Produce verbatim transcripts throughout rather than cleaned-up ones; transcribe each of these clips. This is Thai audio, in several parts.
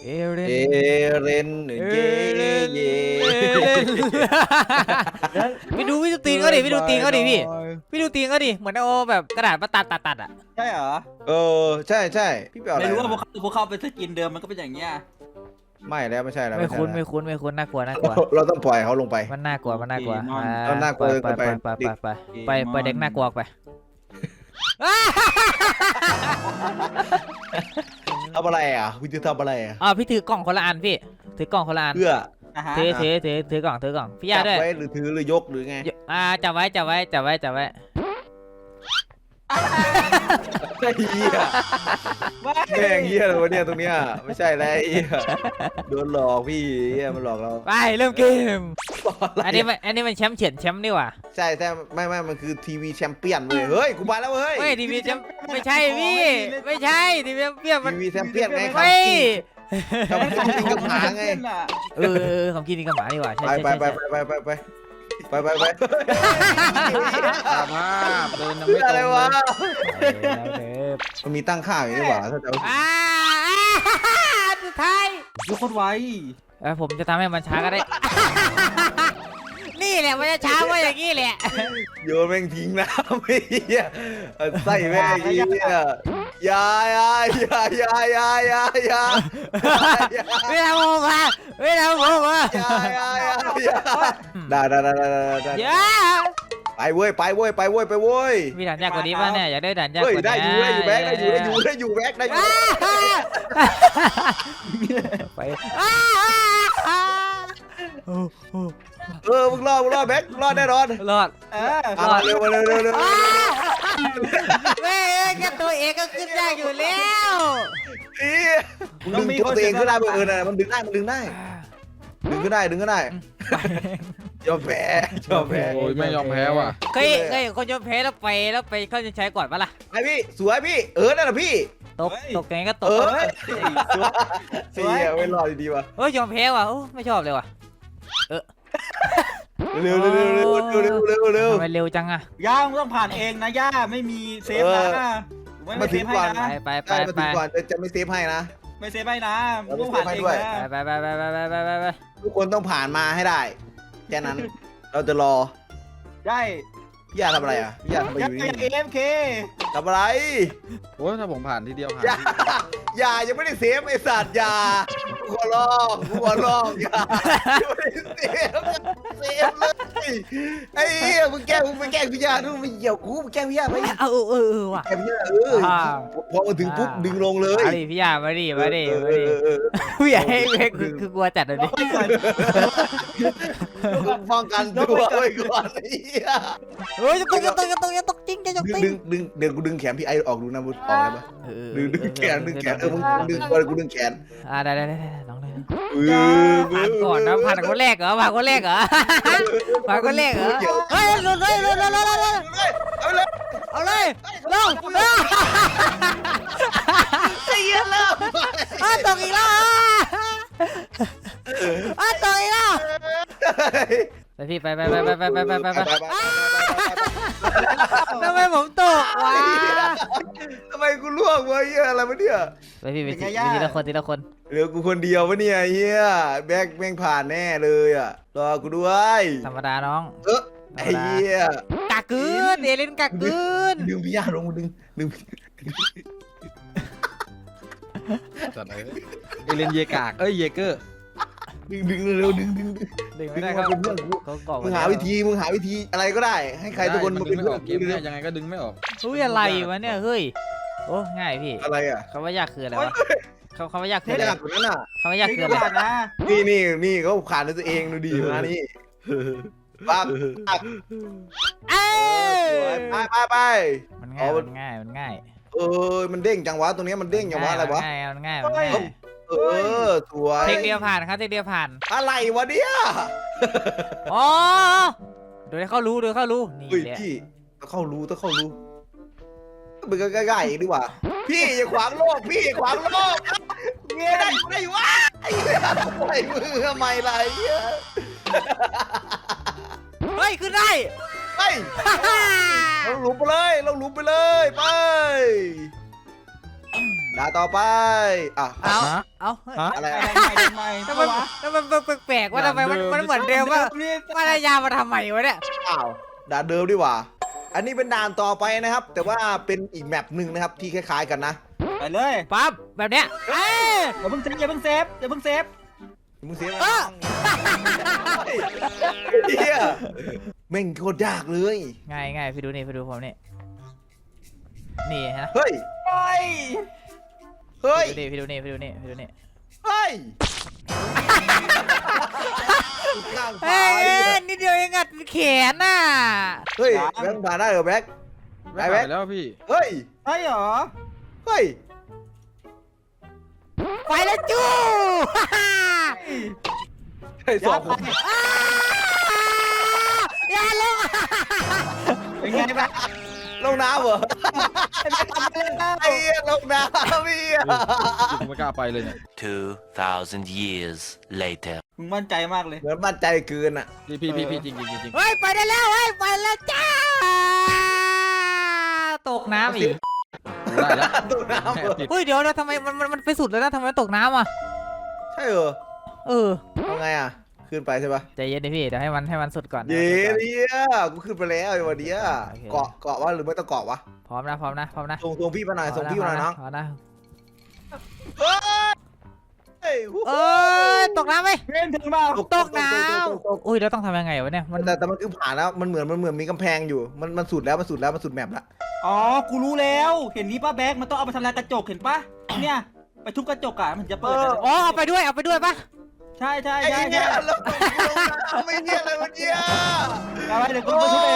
เอเรนเอเรนเย่เย่ไปดูพี่ดูตีนเขาดิพี่ดูตีนเขาดิพี่พี่ดูตีนเขาดิเหมือนเอาแบบกระดาษมาตัดตัดตัดอ่ะใช่เหรอเออใช่ใช่พี่เปียวอะไรไม่รู้ว่าพวกเขาพวกเขาเป็นสกินเดิมมันก็เป็นอย่างเงี้ยไม่แล้วไม่ใช่แล้วไม่คุ้นใช่ไม่คุ้นไม่คุ้นน่ากลัวน่ากลัวเราต้องปล่อยเขาลงไปมันน่ากลัวมันน่ากลัวมันน่ากลัวไปไปไปไปไปไปไปเด็กน่ากลัวไปทำอะไรอ่ะพี่จะทำอะไรอ่ะอ๋อพี่ถือกล่องคนละอันพี่ถือกล่องคนละอันเพื่อถือถือถือถือกล่องถือกล่องพี่ยาด้วยจับไว้หรือถือหรือยกหรือไงอ่าจับไว้จับไว้จับไว้จับไว้ไอ้เหี้ยแม่งเหี้ยเลยวะเนี่ยตรงเนี้ยไม่ใช่แล้วไอ้เหี้ยโดนหลอกพี่เหี้ยมันหลอกเราไปเริ่มเกมอันนี้มันอันนี้มันแชมป์เฉียนแชมป์นี่หว่าใช่ใช่ไม่ไม่มันคือทีวีแชมเปี้ยนเว้ยเฮ้ยกูมาแล้วเว้ยไม่ทีวีแชมป์ไม่ใช่พี่ไม่ใช่ทีวีแชมป์เปี้ยนมันทีวีแชมเปี้ยนไงครับไม่ทำกินกับหมาไงเออของกินนี่กับหมาดีกว่าใช่ไปใช่ไปใช่ไปไปไปไปไปไปไปตามภาพเดินเพื่ไม่อตอะไรรงวะแล้วเด้อมันมีตั้งค่าอยู่นี่หว่าถ้าจะเอาอ่าสุดท้ายยุคโคตรไวเออผมจะทำให้มันช้าก็ได้ นี่แหละมันจะช้าว่าอย่างนี้แหละโยนแม่งทิ้งน้ำไอ้เหี้ยใส่แม่งไอ้เหี้ยยายายายายายายาไม่ทำผมอ่ะไม่ทำผมอ่ะยายายายาได้ได้ได้ได้ได้อย่าไปเว้ยไปเว้ยไปเว้ยไปเว้ยมีด่านยากกว่านี้ป่ะเนี่ยอยากได้ด่านยากกเฮ้ยว่านี้ได้อยู่ได้อยู่แบ็คได้อยู่ได้อยู่ได้อยู่แบ็คได้อยู่ไปเออมึงรอดมึงรอดแบ็ครอดแน่นอนรอดเออเอามาเร็วมาเร็วเร็วเร็วเว้ยแค่ตัวเองก็ขึ้นยากอยู่แล้วอีมึงดึงตัวเองขึ้นได้เออน่ะมันดึงได้มันดึงได้ดึงขึ้นได้ดึงขึ้นได้ยอมแพ้ยอมแพ้โอ้ยไม่ยอมแพ้ว่ะเคยเคยคนยอมแพ้แล้วไปแล้วไปเขาจะใช้ก่อนปะล่ะไอพี่สวยพี่เออนั่นแหละพี่ตกตกยังไงก็ตเอก อสวยเฮียไม่รอดดีๆว่ะเฮ้ยยอมแพ้ว่ะโอ้ไม่ชอบเลยว่ะเร็วเร็วเร็วเร็วเร็วเร็วเร็วเร็วทำไมเร็วจังอะย่ามึงต้องผ่านเองนะย่าไม่มีเซฟนะไม่มาเซถึงฟให้ก่อนนะไปไปไปได้มาไปถึงก่อนจะจะไม่เซฟให้นะไม่เซฟให้นะมึงต้องผ่านเองนะไปไปไปไปไปไปไปไปทุกคนต้องผ่านมาให้ได้แค่นั้นเราจะรอได้พี่ยาทำอะไรอ่ะพี่ยาทำอะไรอยู่ย่าอย่านี่เอ็มเคทำอะไรโอ้ยถ้าผมผ่านทีเดียวผ่านอย่าอย่ายังไม่ได้เซฟไอ้สัตว์อย่ากูขอร้องกูขอร้องอย่ายังไม่ได้เซฟเซฟเลยไอ้เหี้ยมึงแกล้งมึงไปแกล้งพี่ยาดูมึงเหยียบกูมึงแกล้งพี่ยาไปเอาเออเออเออว่ะแกล้งพี่ยาเออพอมาถึงปุ๊บดึงลงเลยมาดิพี่ยามาดิมาดิมาดิเออเออพี่ยาให้เว้ยคือคือกลัวจัดเลยดิป้องกันตัวไว้ก่อนไอ้เหี้ยเฮ้ยจะตกจะตกจะตกจะตกจริงจะตกจริงดึงดึงเดี๋ยวกูดึงแขนพี่ไอออกดูนะมึงออกได้ปะดึงดึงแขนดึงแขนเออมึงดึงก่อนกูดึงแขนอ่าได้ได้ได้น้องเลยเออผ่านก่อนนะผ่านคนแรกเหรอผ่านคนแรกเหรอผ่านคนแรกเหรอเฮ้ยหลุดเลยหลุดเลยหลุดเลยเอาเลยเอาเลยลงไอ้เหี้ยเริ่มอ้าตกอีกแล้วอ้าตกอีกแล้วไปพี่ไปไปไปไปไปไปไปไปไปทำไมผมตกวะทำไมกูล่วงวะเหี้ยอะไรวะเนี่ยไปพี่ไปทีละคนทีละคนเหลือกูคนเดียววะเนี่ยเหี้ยแบกแม่งผ่านแน่เลยอ่ะรอกูด้วยธรรมดาน้องเออไอ้เหี้ยกากึนเอลินกากึนดึงพี่ยาลงดึงดึงจัดเลยเอเลนเยกากเอ้ยเยเกอร์ดึงดึงเร็วดึงดึงดึงดึงดึไม่งได้มาเขาเป็นเพื่อนกูเขาเกาะมึงหาวิธีมึงหาวิธีอะไรก็ได้ ให้ใครทุกคนมัมาดึเป็นงไม่เพื่ออนอกเกกูมเนี่ยยังไงก็ดึงไม่ออกเฮ้ยอะไรวะเนี่ยเฮ้ยโอ้ง่ายพี่อะไรอ่ะคำว่ายากคืออะไรวะคำคำว่ายากคือไม่อะไรยากกว่านั้นอ่ะคำว่ายากนี่คือก็อะไรผ่านนะนี่นี่นี่เขาผ่านด้วยตัวเองดูดีมานี่ปั๊บปั๊บเอ้ยไปไปไปมันง่ายมันง่ายมันง่ายเออมันเด้งจังวะตรงนี้มันเด้งจังวะอะไรวะง่ายมันง่ายมันง่ายเออสวยเทคเดียวผ่านครับเทคเดียวผ่านอะไรวะเนี่ยอ๋อโดยเขารู้โดยเขารู้นี่เฮ้ยแหละพี่ต้องเข้ารู้ต้องเข้ารู้มึงก็ใกล้ๆดีกว่า พี่อย่าขวางโลกพี่อย่าขวางโลกไม่ได้อยู่ได้อยู่วะไอ้เหี้ยไอ้มือทำไมล่ะไอ้เหี้ยเฮ้ยขึ้นได้ไปเราหลุมไปเลยเราหลุมไปเลยไปด่านต่อไปอ่ะเอาฮะเอาฮะอะไรอะอะไรใหม่ใหม่แล้วมันแล้วมันแปลกๆว่าทำไมมันมันเหมือนเดิมว่าว่าระยามาทำไมวะเนี่ยอ้าวด่านเดิมดีกว่า อันนี้เป็นด่านต่อไปนะครับ แต่ว่าเป็นอีกแมปหนึ่งนะครับที่คล้ายๆกันนะไปเลยปั๊บแบบเนี้ยเอ้ยอย่าเพิ่งเซฟอย่าเพิ่งเซฟอย่าเพิ่งเซฟมึงเสียไปเออเฮียแม่งโคตรยากเลยง่ายง่ายพี่ดูนี่พี่ดูผมนี่นี่ฮะเฮ้ยไปเฮ้ยพี่ดูนี่พี่ดูนี่พี่ดูนี่เฮ้ยข้างเฮ้ฟ้ายนิดเดียวเองอะแขนน่ะเฮ้ยแบงค์ผ่านได้เหรอแบงค์ไม่ผ่านไปแล้วพี่เฮ้ยใช่เหรอเฮ้ยไปแล้วจู้เฮ้ยสองคนอย่าลงเป็นไงบ้างลงน้ำเหรอทำอะไรบ้างไอ้เหี้ยลงน้ำพี่อะผมไม่กล้าไปเลยเนี่ย Two thousand years later. มึงมั่นใจมากเลยเหมือนมั่นใจเกินอ่ะพี่พี่พี่พี่จริงจริงจริงเฮ้ยไปได้แล้วเฮ้ยไปแล้วจ้าตกน้ำอีกได้แล้วตกน้ำเหรอเฮ้ยเดี๋ยวนะทำไมมันมันมันไปสุดแล้วนะทำไมตกน้ำอ่ะใช่เหรอเออเอาไงอ่ะ ขึ้นไปใช่ปะใจเย็นดิพี่เดี๋ยวให้มันให้มันสุดก่อนเย้เนี่ยกูขึ้นไปแล้วไอ้วันเนี้ยเกาะเกาะวะหรือไม่ต้องเกาะวะพร้อมนะพร้อมนะพร้อมนะส่งส่งพี่มาหน่อยส่งพี่มาหน่อยน้องพร้อมนะเฮ้ยเอ้ยตกน้ำไหมเพื่อนถึงเปล่าตกน้ำอุ้ยแล้วต้องทำยังไงวะเนี่ยมันแต่แต่มันคือผ่านแล้วมันเหมือนมันเหมือนมีกำแพงอยู่มันมันสุดแล้วมันสุดแล้วมันสุดแมปละอ๋อกูรู้แล้ว เห็นนี้ป้าแบ๊กมันต้องเอาไปทำลายกระจกเห็นปะเนี่ยไปทุบกระจกอ่ะมันจะเปิดอ๋อเอาไปด้วยเอาไปด้วยปะใช่ใช่ไอ้ใช่เนี่ใช่ยแล้วกูลงน้ำไม่เนี่ยอะไรวะเนี่ยเอาไปเดี๋ยวกูไปทุบเอง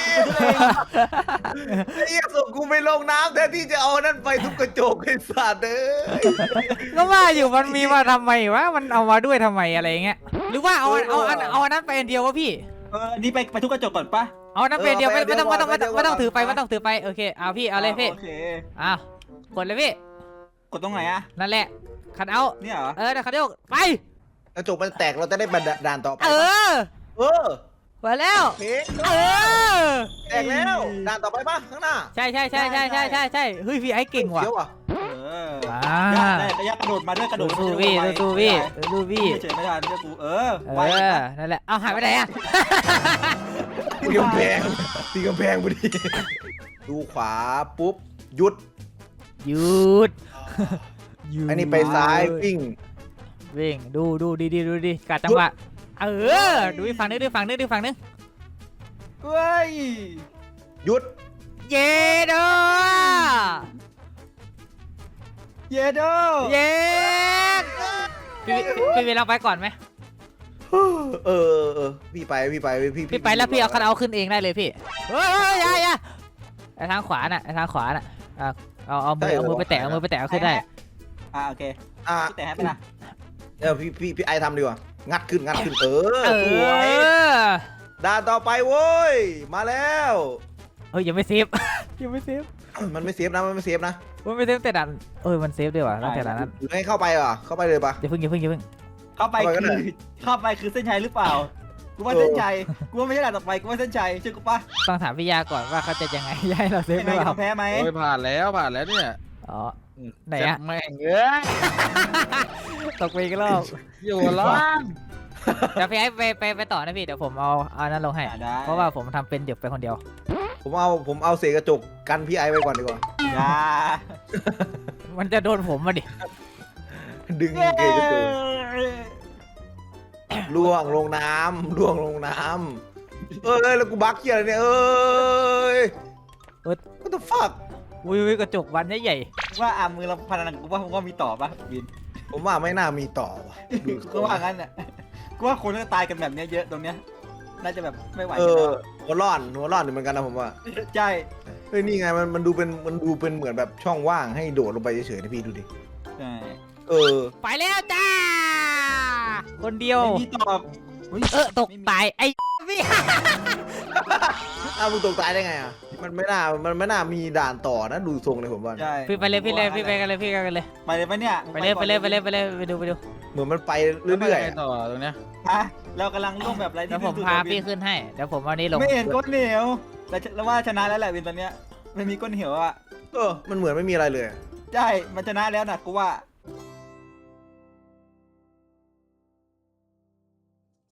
ไอ้เหี้ยส่งกูไปลงน้ำแทนที่จะเอานั่นไปทุบกระจกไอ้สัตว์เอ้ยก็ว่าอยู่มันมีมาทำไมวะมันเอามาด้วยทำไมอะไรเงี้ยหรือว่าเอาเอาเอาเอาอันนั้นไปอันเดียววะพี่เอออันนี้ไปไปทุบกระจกก่อนปะเอาอันนั้นไปอันเดียวไม่ไม่ต้องไม่ต้องไม่ต้องไม่ต้องถือไปไม่ต้องถือไปโอเคเอาพี่เอาเลยพี่โอเคอ้าวกดเลยพี่กดตรงไหนอะนั่นแหละคันเอาเนี่ยเหรอเออเดี๋ยวคันเอาไปกระจกมันแตกเราจะได้บันด่านต่อไปเออเออไปแล้วเพลงเออแตกแล้วด่านต่อไปปะข้างหน้าใช่ใช่ใช่ใช่ใช่ใช่ใช่เฮ้ยพี่ไอ้เก่งว่ะเขียวอ่ะเอออ่าได้ระยะกระโดดมาด้วยกระโดดูดดูพี่ดูดูพี่ดูพี่เฉยไม่ทันเชื่อกูเออเอไวอนะนั่นแหละเอาหายไปไหนอะตีกำแพงตีกำแพงพอดี ดูขวาปุ๊บหยุดหยุดหยุดอันนี้ไปซ้ายวิ่งวิ่งดูดูดีดีดูดีกัดจังหวะเออดูอีกฝั่งนึงดูอีกฝั่งนึงดูอีกฝั่งนึงเฮ้ยหยุดเย้ดอเยโดเย้พี่พี่พี่เราไปก่อนไหมเออเออเออพี่ไปพี่ไปพี่พี่ไปแล้วพี่เอาคันเอาขึ้นเองได้เลยพี่เฮ้ยเฮ้ยอย่าอย่าไอทางขวาน่ะไอทางขวาน่ะอ่ะเอาเอามือเอามือไปแตะเอามือไปแตะเอาขึ้นได้อ่าโอเคอ่ะแต่ให้ไปนะเออพี่พี่พี่ไอทำดีกว่างัดขึ้นงัดขึ้นเออเอสวยอด่านต่อไปโว้ยมาแล้วเฮ้ยยังไม่เซฟ ยังไม่เซฟมันไม่เซฟนะมันไม่เซฟนะมันไม่เซฟแต่ดันเออมันเซฟด้วยว่ะตั้งแต่ดันนั้นหรือให้เข้าไปเหรอเข้าไปเลยปะอย่าเพิ่งอย่าเพิ่งอย่าเพิ่งเข้าไปเข้าไปก็คืได้อเข้าไปคือเส้นชัยหรือเปล่ากูว่าเส้นชัยกูว่าไม่ใช่ด่านต่อไปกูว่าเส้นชัยเชื่อกูปะต้องถามพี่ยาก่อนว่าเขาจะยังไง ย้ายเราเซฟใช่หไหมรือเปล่ายอมแพ้ไหมโอ้ยผ่านแล้วผ่านแล้วเนี่ยอ๋อ ไหนอะแม่งเอ้ยตกไปอีกรอบอยู่ร้อนเดี๋ยวพี่ให้ไปไปไปต่อนะพี่เดี๋ยวผมเอาเอานั้นลงให้อ่าได้เพราะว่าผมทำเป็นเดี๋ยวไปคนเดียวผมเอาผมเอาเศษกระจกกันพี่ไอไว้ก่อนดีกว่าอย่ามันจะโดนผมมาดิดึงเศษกระจกล่วงลงน้ำล่วงลงน้ำเอ้ยแล้วกูบักเกียอะไรเนี่ยเอ้ย What the fuck วิวกระจกวันใหญ่ว่าอ่ามือเราพนันกูว่าผมว่ามีต่อปะบินผมว่าไม่น่ามีต่อว่ะกูว่างั้นเนี่ยกูว่าคนก็ตายกันแบบเนี้ยเยอะตรงเนี้ยน่าจะแบบไม่ไหวเอกันอแล้วหัวร้อนหัวร้อนอยู่เหมือนกันนะผมว่าใช่เฮ้ยนี่ไงมันมันดูเป็นมันดูเป็นเหมือนแบบช่องว่างให้โดดลงไปเฉยๆนะพี่ดูดิใช่เออๆไปแล้วจ้า คนเดียวไม่มีตอบฮ้ยเออตกตายไอ้พี่อ้าวมึงตกตายได้ไงอ่ะมันไม่น่ามันไม่น่ามีด่านต่อนะดูทรงเลยผมว่าใช่พี่ไปเลยพี่เลยพี่ไปกันเลยพี่กันเลยไปเลยปะเนี่ยไปเลยไปเลยไปเลยไปเลยไปดูไปดูเหมือนมันไปเรื่อยๆไปอะต่อตรงเนี้ยฮะเรากำลังร่วมแบบไรเดี๋ยวผมพาพี่ขึ้นให้เดี๋ยวผมเอานี้ลงไม่เห็นก้นเหนียวแต่แล้วว่าชนะแล้วแหละวินตอนเนี้ยไม่มีก้นเหนียวอ่ะเออมันเหมือนไม่มีอะไรเลยใช่มันชนะแล้วนะกูว่า